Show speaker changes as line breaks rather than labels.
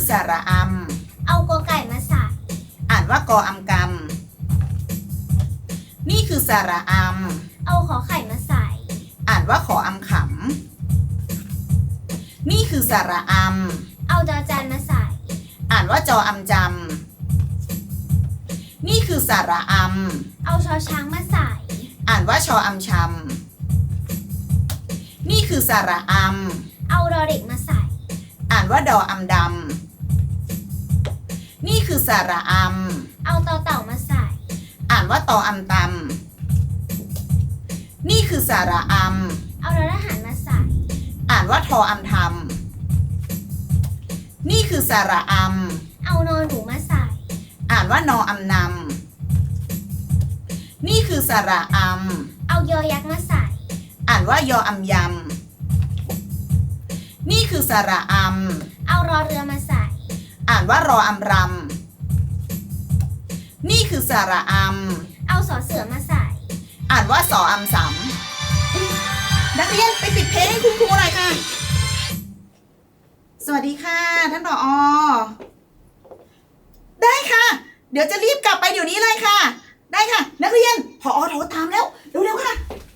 คือสระอำ
เอากอไก่มาใส่
อ่านว่ากออำกำนี่คือสระอำ
เอาขอไข่มาใส่
อ่านว่าขออำขำนี่คือสระอำ
เอาจอจานมาใส่
อ่านว่าจออำจำนี่คือสระอำ
เอาชอช้างมาใส่
อ่านว่าชออำชำนี่คือสระอำ
เอารอเด็กมาใส่
อ่านว่าดออำดำนี่คือสระอำ
เอาต่อเต่ามาใส่
อ่านว่าตออำตำนี่คือสระอำ
เอารอทหารมาใส่
อ่านว่าทออำทำนี่คือสระอำ
เอานอนหนูมาใส่
อ่านว่านออำนำนี่คือสระอำ
เอายอยักษ์มาใส่
อ่านว่ายออำยำนี่คือสระอำ
เอารอเรือมาใส่
อ่านว่ารออำรำนี่คือสระอำ
เอาสอเสือมาใส่
อ่านว่าสออำสำนักเรียนไปปิดเพลงให้คุณครูหน่อยค่ะสวัสดีค่ะท่านผอ.ได้ค่ะเดี๋ยวจะรีบกลับไปเดี๋ยวนี้เลยค่ะได้ค่ะนักเรียนผอ.โทรตามแล้วเร็วๆค่ะ